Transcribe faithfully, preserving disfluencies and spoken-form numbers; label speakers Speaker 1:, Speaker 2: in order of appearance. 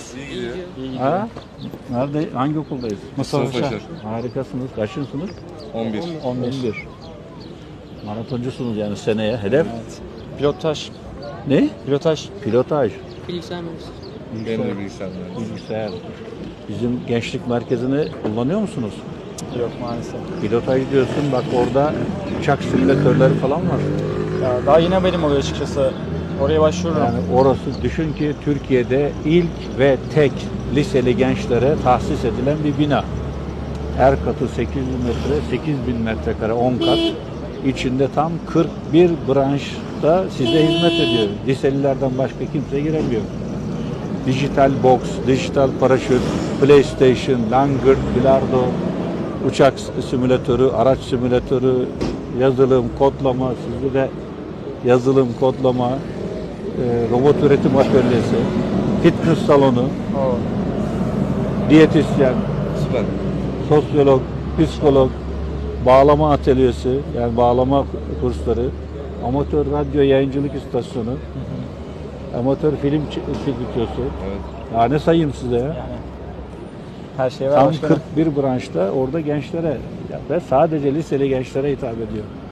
Speaker 1: nasılsınız?
Speaker 2: İyi gidiyor.
Speaker 1: İyi gidiyor.
Speaker 3: Ha? Nerede? Hangi okuldayız?
Speaker 1: Mustafa
Speaker 2: Mustafa
Speaker 1: Paşa.
Speaker 2: Paşa.
Speaker 3: Harikasınız. Kaçıncı sınıf?
Speaker 2: on bir.
Speaker 3: on bir. Maratoncusunuz yani seneye. Hedef
Speaker 1: Evet. Pilotaj.
Speaker 3: ne?
Speaker 1: Pilotaj.
Speaker 3: Pilotaj.
Speaker 4: Bilgisayar mühendisi.
Speaker 2: Benim de bilgisayar mühendisi.
Speaker 3: Bilgisayar. Bizim gençlik merkezini kullanıyor musunuz?
Speaker 1: Yok maalesef.
Speaker 3: Pilotaj diyorsun, bak orada uçak simülatörleri falan var.
Speaker 1: Ya daha yeni haberim oluyor açıkçası. Oraya başvururum.
Speaker 3: Yani orası, düşün ki Türkiye'de ilk ve tek liseli gençlere tahsis edilen bir bina. Her katı sekiz yüz metre, sekiz bin metrekare, on kat. İçinde tam kırk bir branşta size hizmet ediyor. Liselilerden başka kimse giremiyor. Dijital boks, dijital paraşüt, PlayStation, langırt, bilardo, uçak simülatörü, araç simülatörü, yazılım, kodlama, sizde de yazılım, kodlama, e, robot üretim atölyesi, fitness salonu,
Speaker 1: Oo.
Speaker 3: diyetisyen,
Speaker 2: Süper.
Speaker 3: sosyolog, psikolog, bağlama atölyesi, yani bağlama kursları, amatör radyo yayıncılık istasyonu, amatör film stüdyosu.
Speaker 2: Evet.
Speaker 3: Ya ne sayayım size ya?
Speaker 1: Yani her şey var
Speaker 3: Tam
Speaker 1: başkanım.
Speaker 3: kırk bir branşta orada gençlere ve sadece liseli gençlere hitap ediyor.